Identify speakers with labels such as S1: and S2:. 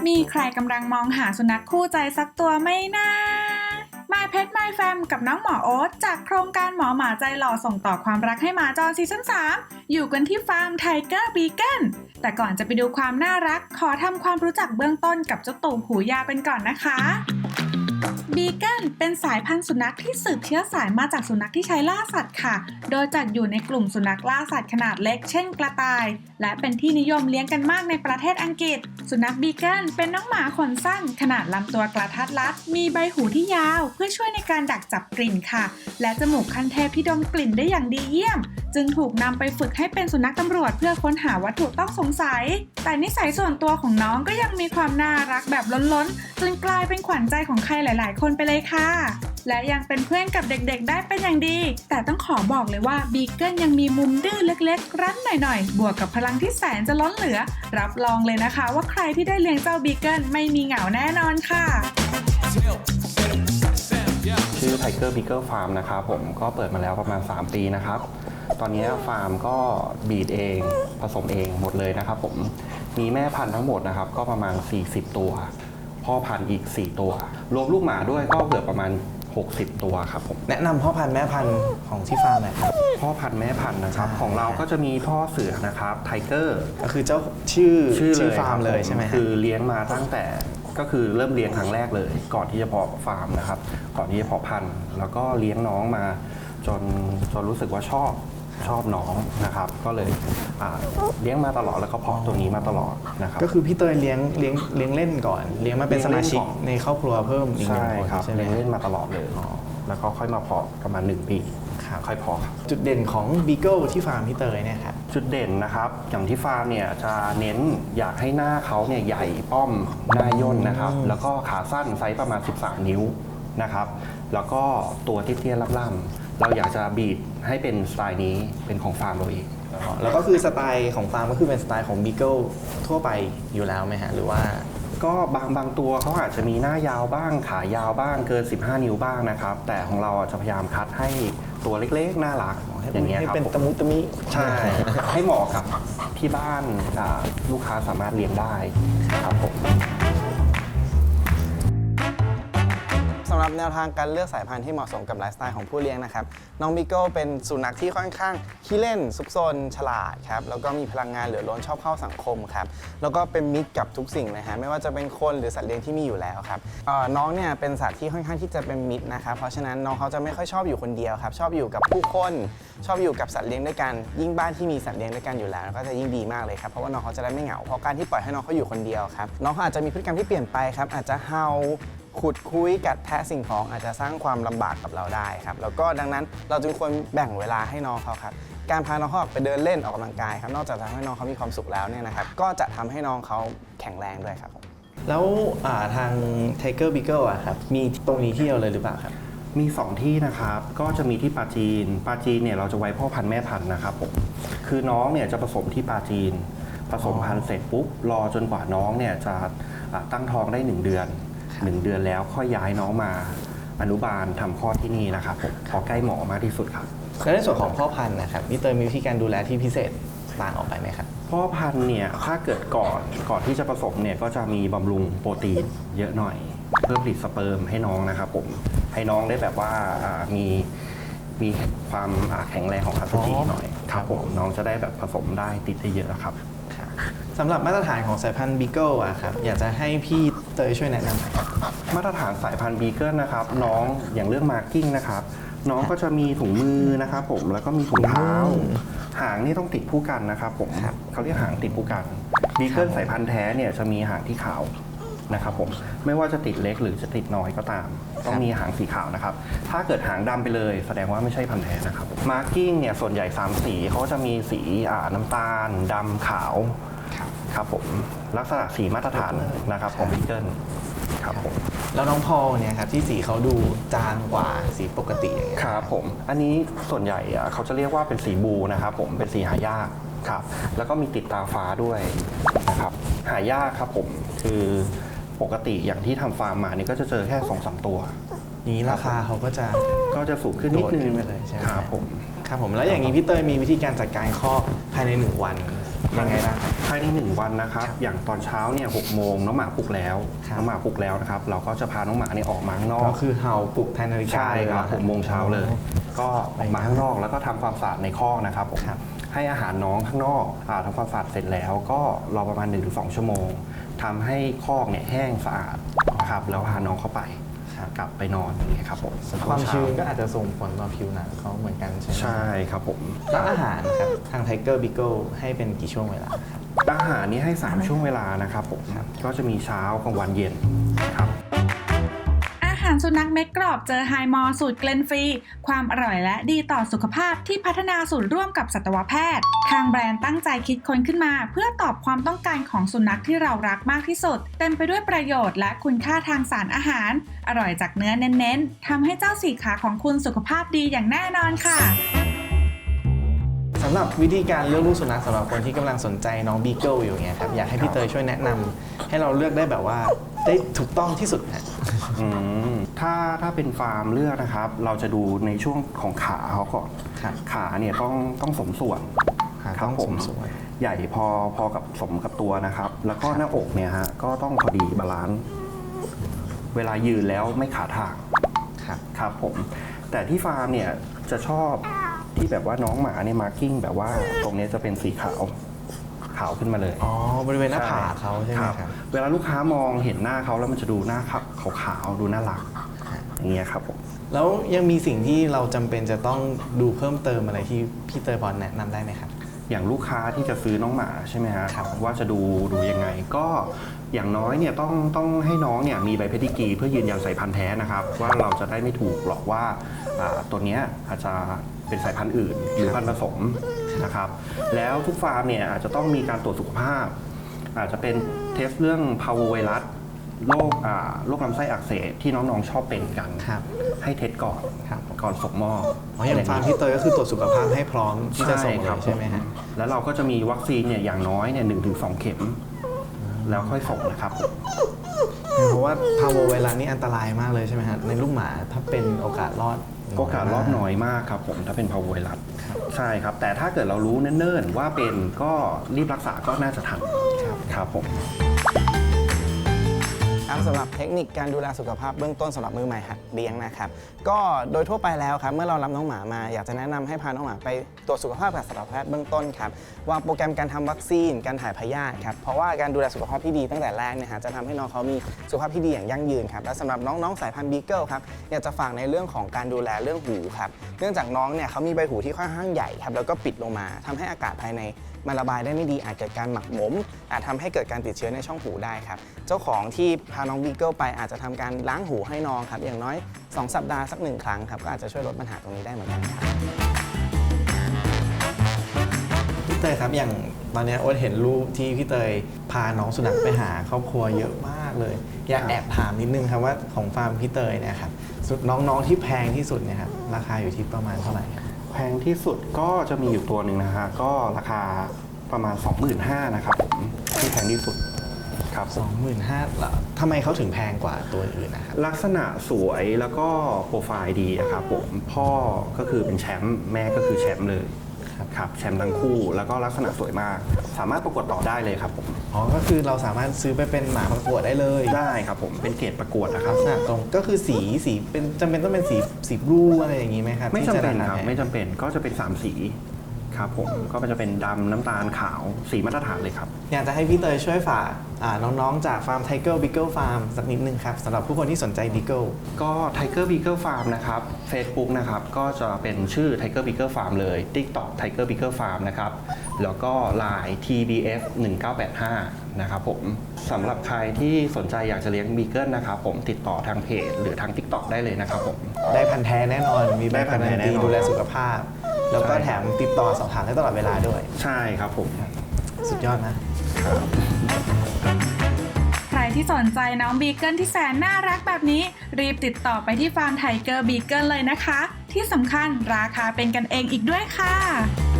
S1: มีใครกำลังมองหาสุนัขคู่ใจสักตัวไหมนะ My Pet My Fam กับน้องหมอโอ๊ตจากโครงการหมอหมาใจหล่อส่งต่อความรักให้หมาจรซีซั่น 3 อยู่กันที่ฟาร์ม Tiger Beagle แต่ก่อนจะไปดูความน่ารักขอทำความรู้จักเบื้องต้นกับเจ้าตูบหูยาวเป็นก่อนนะคะบีเกิลเป็นสายพันธุ์สุนัขที่สืบเชื้อสายมาจากสุนัขที่ใช้ล่าสัตว์ค่ะ โดยจัดอยู่ในกลุ่มสุนัขล่าสัตว์ขนาดเล็กเช่นกระต่าย และเป็นที่นิยมเลี้ยงกันมากในประเทศอังกฤษ สุนัขบีเกิลเป็นน้องหมาขนสั้นขนาดลำตัวกระทัดรัด มีใบหูที่ยาวเพื่อช่วยในการดักจับกลิ่นค่ะ และจมูกขั้นเทพที่ดมกลิ่นได้อย่างดีเยี่ยม จึงถูกนำไปฝึกให้เป็นสุนัขตำรวจเพื่อค้นหาวัตถุต้องสงสัย แต่นิสัยส่วนตัวของน้องก็ยังมีความน่ารักแบบล้นๆจนกลายเป็นขวัญใจของใครหลายๆคนไปเลยค่ะและยังเป็นเพื่อนกับเด็กๆได้เป็นอย่างดีแต่ต้องขอบอกเลยว่าบีเกิลยังมีมุมดื้อเล็กๆรั้นหน่อยๆบวกกับพลังที่แสนจะล้นเหลือรับรองเลยนะคะว่าใครที่ได้เลี้ยงเจ้าบีเกิลไม่มีเหงาแน่นอนค่ะ
S2: ชื่อ Tiger Beagle Farm นะครับผมก็เปิดมาแล้วประมาณ3 ปีนะครับตอนนี้ฟาร์มก็บีดเองผสมเองหมดเลยนะครับผมมีแม่พันธุ์ทั้งหมดนะครับก็ประมาณ40 ตัวพ่อพันธุ์อีก4 ตัวรวมลูกหมาด้วยก็เกือบประมาณ60 ตัวครับผม
S3: แนะนำพ่อพันธุ์แม่พันธุ์ของที่ฟาร์มหน่อยครับ
S2: พ่อพันธุ์แม่พันธุ์นะครับของเราก็จะมีพ่อเสือนะครับไทเกอร์
S3: ก็คือเจ้าชื่อฟาร์มเลยใช่ไหม
S2: คือเลี้ยงมาตั้งแต่ก็คือเริ่มเลี้ยงครั้งแรกเลยก่อนที่จะเพาะฟาร์มนะครับก่อนที่จะเพาะพันธุ์แล้วก็เลี้ยงน้องมาจนรู้สึกว่าชอบน้องนะครับก็เลยเลี้ยงมาตลอดแล้วก็เพาะตัวนี้มาตลอดนะครับ
S3: ก็คือพี่เตยเลี้ยงเล่นก่อนเลี้ยงมาเป็นสมาชิกในครอบครัวเพิ่มอีก1 คน
S2: ใช่เลี้ยงเล่นมาตลอดเลยแล้วก็ค่อยมาเพาะประมาณ1 ปีค่อยเพาะครับ
S3: จุดเด่นของบีเกิลที่ฟาร์มพี่เตยเนี่ยครับ
S2: จุดเด่นนะครับอย่างที่ฟาร์มเนี่ยจะเน้นอยากให้หน้าเขาเนี่ยใหญ่ป้อมหน้าย่นนะครับแล้วก็ขาสั้นไซส์ประมาณ13 นิ้วนะครับแล้วก็ตัวเตี้ยๆล่ำๆเราอยากจะบีดให้เป็นสไตล์นี้เป็นของฟาร์มเราเอง
S3: แล้วก็คือสไตล์ของฟาร์มก็คือเป็นสไตล์ของบีเกิลทั่วไปอยู่แล้วไหมฮะหรือว่า
S2: ก็บางตัวเขาอาจจะมีหน้ายาวบ้างขายาวบ้างเกิน15 นิ้วบ้างนะครับแต่ของเราจะพยายามคัดให้ตัวเล็กๆน่ารักอย่างเงี้ยครับ
S3: เป็นตะมุตะมิ
S2: ใช่ให้เหมาะกับที่บ้านลูกค้าสามารถเลี้ยงได้ครับผม
S3: สำหรับแนวทางการเลือกสายพันธุ์ที่เหมาะสมกับไลฟ์สไตล์ของผู้เลี้ยงนะครับน้องบีเกิลเป็นสุนัขที่ค่อนข้างขี้เล่นซุกซนฉลาดครับแล้วก็มีพลังงานเหลือล้นชอบเข้าสังคมครับแล้วก็เป็นมิตรกับทุกสิ่งเลยฮะไม่ว่าจะเป็นคนหรือสัตว์เลี้ยงที่มีอยู่แล้วครับน้องเนี่ยเป็นสัตว์ที่ค่อนข้างที่จะเป็นมิตรนะครับเพราะฉะนั้นน้องเขาจะไม่ค่อยชอบอยู่คนเดียวครับชอบอยู่กับผู้คนชอบอยู่กับสัตว์เลี้ยงด้วยกันยิ่งบ้านที่มีสัตว์เลี้ยงด้วยกันอยู่แล้วก็จะยิ่งดีมากเลยครับเพราะว่าน้องเขาจะได้ไม่เหงาเพราะการที่ปล่อยให้น้องเขาอยู่คนเดียวครับน้องเขาอาจจะมีพฤติกรรมที่เปลี่ยนไปครับอาจจะเห่าขุดคุยกัดแทะสิ่งของอาจจะสร้างความลำบากกับเราได้ครับแล้วก็ดังนั้นเราจึงควรแบ่งเวลาให้น้องเขาครับการพาน้องเขาออกไปเดินเล่นออกกำลังกายครับนอกจากจะทำให้น้องเขามีความสุขแล้วเนี่ยนะครับก็จะทำให้น้องเขาแข็งแรงด้วยครับแล้วทาง Tiger Beagle อะครับมีตรงนี้ที่เดียวเลยหรือเปล่าครับ
S2: มี2 ที่นะครับก็จะมีที่ปาจีนเนี่ยเราจะไว้พ่อพันธุ์แม่พันธุ์นะครับผมคือน้องเนี่ยจะผสมที่ปาจีนผสมพันธุ์เสร็จปุ๊บรอจนกว่าน้องเนี่ยจะตั้งท้องได้1 เดือน1 เดือนแล้วค่อยย้ายน้องมาอนุบาลทำคลอดที่นี่นะครับผมพอใกล้หมอมากที่สุดครับ
S3: แล้วในส่วนของพ่อพันธุ์นะครับพี่เตยมีวิธีการดูแลที่พิเศษต่างออกไปไหมครับ
S2: พ่อพันธุ์เนี่ยถ้าเกิดก่อนที่จะผสมเนี่ยก็จะมีบำรุงโปรตีนเยอะหน่อยเพื่อผลิตสเปิร์มให้น้องนะครับผมให้น้องได้แบบว่ามีความแข็งแรงของอสุจิหน่อยครับผมน้องจะได้แบบผสมได้ติดได้เยอะครับ
S3: สำหรับมาตรฐานของสายพันธุ์บีเกิลอะครับอยากจะให้พี่เตยช่วยแนะน
S2: ำมาตรฐานสายพันธุ์บีเกิลนะครับน้องอย่างเรื่องมาร์กิ้งนะครับน้องก็จะมีถุงมือนะครับผมแล้วก็มีถุงเท้าหางนี่ต้องติดผู้กันนะครับผมเขาเรียกหางติดผู้กันบีเกิลสายพันธุ์แท้เนี่ยจะมีหางที่ขาวนะครับผมไม่ว่าจะติดเล็กหรือจะติดน้อยก็ตามต้องมีหางสีขาวนะครับถ้าเกิดหางดำไปเลยแสดงว่าไม่ใช่พันธุ์แท้นะครับมาร์กิ้งเนี่ยส่วนใหญ่3 สีเขาจะมีสีน้ำตาลดำขาวครับผมลักษณะสีมาตรฐานนะครับของบีเกิลครับผม
S3: แล้วน้องพอลเนี่ยครับที่สีเขาดูจางกว่าสีปกติอย่างเงี้ย
S2: ครับผมอันนี้ส่วนใหญ่เขาจะเรียกว่าเป็นสีบูนะครับผมเป็นสีหายากครับแล้วก็มีติดตาฟ้าด้วยนะครับหายากครับผมคือปกติอย่างที่ทำฟาร์มมานี่ก็จะเจอแค่ 2-3 ตัว
S3: นี้ราคาเขาก็
S2: จะสูงขึ้นนิดนึง
S3: ไปเลยใช่ไหม
S2: ครับผม
S3: แล้วอย่างนี้พี่เตยมีวิธีการจัดการคอกภายใน1 วัน
S4: ยังไงบ้างครับ
S2: ภายใน1 วันนะครับอย่างตอนเช้าเนี่ย6 โมงน้องหมาปลุกแล้ว
S4: ครับ
S2: น้องหมาปลุกแล้วนะครับเราก็จะพาน้องหมาเนี่ยออกมาข้างนอก
S4: ก็คือเห่าปลุกแทนนาฬิกา
S2: ใช่ครับ
S4: เลย
S2: 6 โมงเช้าเลย ก็ออกมาข้างนอกแล้วก็ทำความสะอาดในคอกนะครับผม
S4: ครับ
S2: ให้อาหารน้องข้างนอกทำความสะอาดเสร็จแล้วก็รอประมาณ 1-2 ชั่วโมงทำให้คอกเนี่ยแห้งสะอาดนะครับแล้วพาน้องเข้าไปกลับไปนอนอย่างเงี้ยครับผม
S4: ความชื้นก็อาจจะส่งผลต่อผิวหนังเขาเหมือนกันใช่ไหม
S2: ใช่ครับผม
S4: แล้วอาหารครับทาง Tiger Beagle ให้เป็นกี่ช่วงเวลาครับ
S2: อาหารนี้ให้ 3 ช่วงเวลานะครับผมก็จะมีเช้ากลางวันเย็นครับ
S1: อาหารสุนัขเม็ดกรอบเจอไฮมอร์สูตรเกลนฟรีความอร่อยและดีต่อสุขภาพที่พัฒนาสูตรร่วมกับสัตวแพทย์ทางแบรนด์ตั้งใจคิดค้นขึ้นมาเพื่อตอบความต้องการของสุนัขที่เรารักมากที่สุดเต็มไปด้วยประโยชน์และคุณค่าทางสารอาหารอร่อยจากเนื้อเน้นๆทำให้เจ้าสี่ขาของคุณสุขภาพดีอย่างแน่นอนค่ะ
S4: สำหรับวิธีการเลือกลูกสุนัขสำหรับคนที่กำลังสนใจน้องบีเกิลอยู่เนี่ยครับอยากให้พี่เตยช่วยแนะนำให้เราเลือกได้แบบว่าได้ถูกต้องที่สุดฮะ
S2: ถ้าเป็นฟาร์มเลือกนะครับ เราจะดูในช่วงของขาเขาก่อน
S4: ครับ
S2: ขาเนี่ยต้องสมส่วน
S4: ขา
S2: ครับ
S4: ต้อง
S2: ผ
S4: สมส่วน
S2: ใหญ่พอกับสมกับตัวนะครับ แล้วก็หน้าอกเนี่ยฮะก็ต้องพอดีบาลานซ์เวลายืนแล้วไม่ขาทาง
S4: ครับ
S2: ครับผมแต่ที่ฟาร์มเนี่ยจะชอบที่แบบว่าน้องหมาเนี่ยมาร์กิ้งแบบว่าตรงเนี้ยจะเป็นสีขาวขึ้นมาเลย
S4: อ๋อบริเวณหน้าผากเขาใช่ไหมครับ
S2: เวลาลูกค้ามองเห็นหน้าเขาแล้วมันจะดูหน้าขาวๆดูน่ารักอย่างเงี้ยครับผม
S4: แล้วยังมีสิ่งที่เราจำเป็นจะต้องดูเพิ่มเติมอะไรที่พี่เตยพอแนะนำได้ไหมครับ
S2: อย่างลูกค้าที่จะซื้อน้องหมาใช่ไหมฮะ
S4: ครับ
S2: ว่าจะดูยังไงก็อย่างน้อยเนี่ยต้องให้น้องเนี่ยมีใบเพดิกรีเพื่อยืนยันสายพันธุ์แท้นะครับ ว่าเราจะได้ไม่ถูกหรอกว่าตัวเนี้ยอาจจะเป็นสายพันธุ์อื่นหรือพันธุ์ผสมนะครับแล้วทุกฟาร์มเนี่ยอาจจะต้องมีการตรวจสุขภาพ อาจจะเป็นเทสเรื่องพาโวไวรัสโรคลำไส้อักเสบที่น้องๆชอบเป็นกัน
S4: ครับ
S2: ให้เทสก่อน
S4: ครับ
S2: ก่อนส่งมอบ
S4: อ๋ออย่างฟาร์มพี่เตยก็คือตรวจสุขภาพให้พร้อมที่จะส่งเลยใช่ไหมฮะ
S2: แล้วเราก็จะมีวัคซีนเนี่ยอย่างน้อยเนี่ย1-2 เข็ม แล้วค่อยส่งนะครับ
S4: เพราะว่าพาโวไวรัสนี่อันตรายมากเลยใช่ไหมฮะในลูกหมาถ้าเป็นโอกาสรอด
S2: โอกาสรอดน้อยมากครับผมถ้าเป็นพาโวไวรัสใช่ครับ แต่ถ้าเกิดเรารู้เนิ่นๆว่าเป็นก็รีบรักษาก็น่าจะทันครับผม
S3: สำหรับเทคนิคการดูแลสุขภาพเบื้องต้นสำหรับมือใหม่หัดเลี้ยงนะครับก็โดยทั่วไปแล้วครับเมื่อเรารับน้องหมามาอยากจะแนะนำให้พาน้องหมาไปตรวจสุขภาพกับสัตวแพทย์เบื้องต้นครับวางโปรแกรมการทำวัคซีนการถ่ายพยาธิครับเพราะว่าการดูแลสุขภาพที่ดีตั้งแต่แรกเนี่ยฮะจะทำให้น้องเขามีสุขภาพที่ดีอย่างยั่งยืนครับและสำหรับน้องๆสายพันธุ์บีเกิลครับอยากจะฝากในเรื่องของการดูแลเรื่องหูครับเนื่องจากน้องเนี่ยเขามีใบหูที่ค่อนข้างใหญ่ครับแล้วก็ปิดลงมาทำให้อากาศภายในมันระบายได้ไม่ดีอาจเกิดการหมักหมมอาจทำให้เกิดการติดเชื้อในช่องหูได้ครับเจ้าของที่พาน้องบีเกิลไปอาจจะทำการล้างหูให้น้องครับอย่างน้อย2 สัปดาห์สัก1 ครั้งครับก็อาจจะช่วยลดปัญหาตรงนี้ได้เหมือนกันครับ
S4: พี่เตยครับอย่างตอนนี้โอ๊ตเห็นรูปที่พี่เตยพาน้องสุนัขไปหาครอบครัวเยอะมากเลยอยากแอบถามนิดนึงครับว่าของฟาร์มพี่เตยเนี่ยครับน้องๆที่แพงที่สุดเนี่ยครับราคาอยู่ที่ประมาณเท่าไหร่ครับ
S2: แพงที่สุดก็จะมีอยู่ตัวหนึ่งนะฮะก็ราคาประมาณ 25,000นะครับผมที่แพงที่สุดครับผม
S4: 25,000ละทำไมเขาถึงแพงกว่าตัวอื่นนะครับ
S2: ลักษณะสวยแล้วก็โปรไฟล์ดีอะครับผมพ่อก็คือเป็นแชมป์แม่ก็คือแชมป์เลยครับแชมป์ทั้งคู่แล้วก็ลักษณะสวยมาก สามารถประกวดต่อได้เลยครับผม
S4: อ๋อก็คือเราสามารถซื้อไปเป็นหมาประกวดได้เลย
S2: ได้ครับผมเป็นเกรดประกวดนะครับ
S4: ลักษณะตรงก็คือสีเป็นจำเป็นต้องเป็นสีบลูอะไรอย่างนี้ไหมครับ
S2: ไม่จำเป็น
S4: ที่ะา
S2: ครับ
S4: แพง
S2: ไม่จำเป็นก็จะเป็น3สีครับผมก็จะเป็นดำน้ำตาลขาวสีมาตรฐานเลยครับ
S4: อยากจะให้พี่เตยช่วยฝากน้องๆจากฟาร์ม Tiger Beagle Farm สักนิดนึงครับสำหรับผู้คนที่สนใจ Beagle
S2: ก็ Tiger Beagle Farm นะครับ Facebook นะครับก็จะเป็นชื่อ Tiger Beagle Farm เลย TikTok Tiger Beagle Farm นะครับแล้วก็ Line TBF 1985นะครับผมสำหรับใครที่สนใจอยากจะเลี้ยง Beagle นะครับผมติดต่อทางเพจหรือทาง TikTok ได้เลยนะครับผม
S4: ได้พันธุ์แท้แน่นอน มีใบ
S2: ได้พั
S4: การั
S2: นธุ์แท้
S4: น
S2: แน่
S4: ตี
S2: นอน
S4: ดูแลสุขภาพ แล้วก็
S2: ใช่
S4: แถมติดต่อสอบถามได้ตลอดเวลาด้วย
S2: ใช่ครับผม
S4: สุดยอดนะ
S1: ใครที่สนใจน้องบีเกิลที่แสนน่ารักแบบนี้ รีบติดต่อไปที่ฟาร์มไทเกอร์บีเกิลเลยนะคะ ที่สำคัญราคาเป็นกันเองอีกด้วยค่ะ